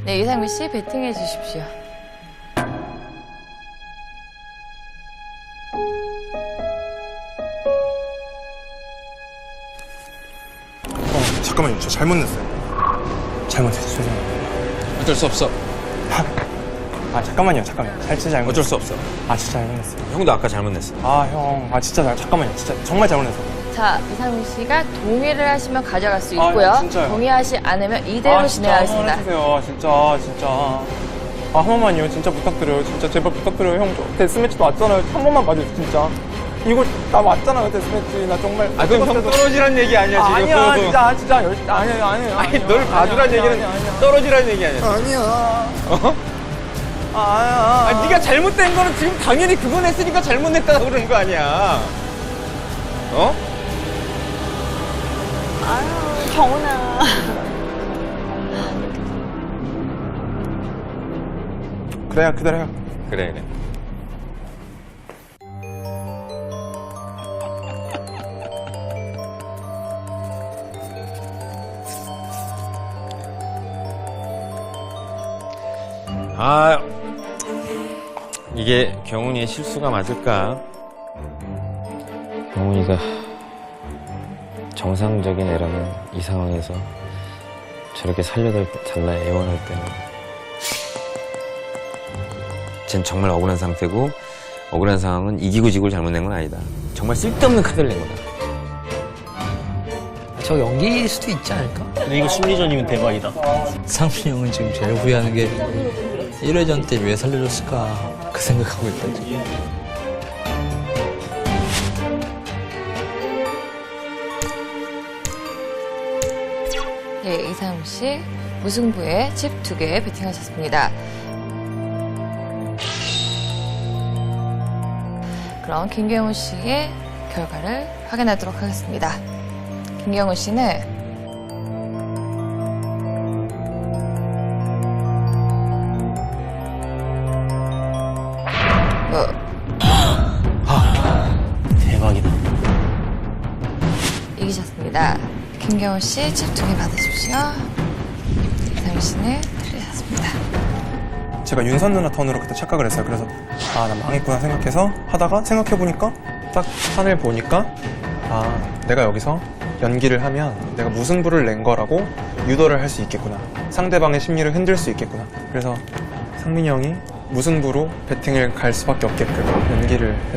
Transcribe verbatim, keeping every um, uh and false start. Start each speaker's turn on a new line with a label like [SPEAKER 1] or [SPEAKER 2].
[SPEAKER 1] 네, 이상민 씨 배팅해 주십시오.
[SPEAKER 2] 어, 잠깐만요. 저 잘못 냈어요. 잘못했어요. 죄송합니다.
[SPEAKER 3] 어쩔 수 없어.
[SPEAKER 2] 아, 잠깐만요. 잠깐만요. 잘 진짜 잘못
[SPEAKER 3] 어쩔 수 없어.
[SPEAKER 2] 아, 진짜 잘못 냈어요.
[SPEAKER 3] 형도 아까 잘못 냈어.
[SPEAKER 2] 아, 형. 아, 진짜 잘, 잠깐만요. 진짜 정말 잘못 냈어요.
[SPEAKER 1] 자, 이상민 씨가 동의를 하시면 가져갈 수
[SPEAKER 2] 아,
[SPEAKER 1] 있고요.
[SPEAKER 2] 진짜요?
[SPEAKER 1] 동의하지 않으면 이대로
[SPEAKER 2] 아, 진짜
[SPEAKER 1] 진행하겠습니다.
[SPEAKER 2] 한번 해주세요. 진짜, 진짜. 아, 한 번만요. 진짜 부탁드려요. 진짜 제발 부탁드려요. 형, 저 데스매치도 왔잖아요. 한 번만 봐주세요. 진짜. 이거 나 왔잖아요. 데스매치. 나 정말.
[SPEAKER 3] 아, 그럼 형 떨어지란 얘기 아니야,
[SPEAKER 2] 아,
[SPEAKER 3] 지금.
[SPEAKER 2] 아니야. 진짜, 진짜. 열, 아니야, 아니야.
[SPEAKER 3] 아니,
[SPEAKER 2] 아니야,
[SPEAKER 3] 널
[SPEAKER 2] 아니야,
[SPEAKER 3] 봐주란
[SPEAKER 2] 아니야,
[SPEAKER 3] 얘기는
[SPEAKER 2] 아니야, 아니야.
[SPEAKER 3] 떨어지란 얘기 아니야.
[SPEAKER 2] 아니야.
[SPEAKER 3] 어?
[SPEAKER 2] 아, 아니야.
[SPEAKER 3] 아니, 네가 잘못된 거는 지금 당연히 그거 냈으니까 잘못 냈다고 그러는 거 아니야. 어?
[SPEAKER 4] 아유, 경훈아.
[SPEAKER 2] 그래요, 그대로요.
[SPEAKER 3] 그래, 그래. 아, 이게 경훈이의 실수가 맞을까?
[SPEAKER 5] 경훈이가 정상적인 애라면 이 상황에서 저렇게 살려달라 애원할 때는
[SPEAKER 3] 쟨 정말 억울한 상태고 억울한 상황은 이기고 지고 잘못낸 건 아니다. 정말 쓸데없는 카드를 낸 거다.
[SPEAKER 6] 저 연기일 수도 있지 않을까?
[SPEAKER 7] 근데 이거 심리전이면 대박이다.
[SPEAKER 6] 상민이 형은 지금 제일 후회하는 게 일 회전 때 왜 살려줬을까 그 생각하고 있다 지금.
[SPEAKER 1] 네, 이상민 씨 무승부에 칩 두 개 배팅하셨습니다. 그럼 김경훈 씨의 결과를 확인하도록 하겠습니다. 김경훈 씨는
[SPEAKER 7] 대박이다.
[SPEAKER 1] 이기셨습니다. 김경훈 씨 칩 두 개 받으십시오. 이상민 씨는 틀리셨습니다.
[SPEAKER 2] 제가 윤선 누나 턴으로 그때 착각을 했어요. 그래서 아, 나 망했구나 생각해서 하다가 생각해보니까 딱 판을 보니까 아, 내가 여기서 연기를 하면 내가 무승부를 낸 거라고 유도를 할 수 있겠구나. 상대방의 심리를 흔들 수 있겠구나. 그래서 상민이 형이 무승부로 배팅을 갈 수밖에 없게끔 연기를 했어요.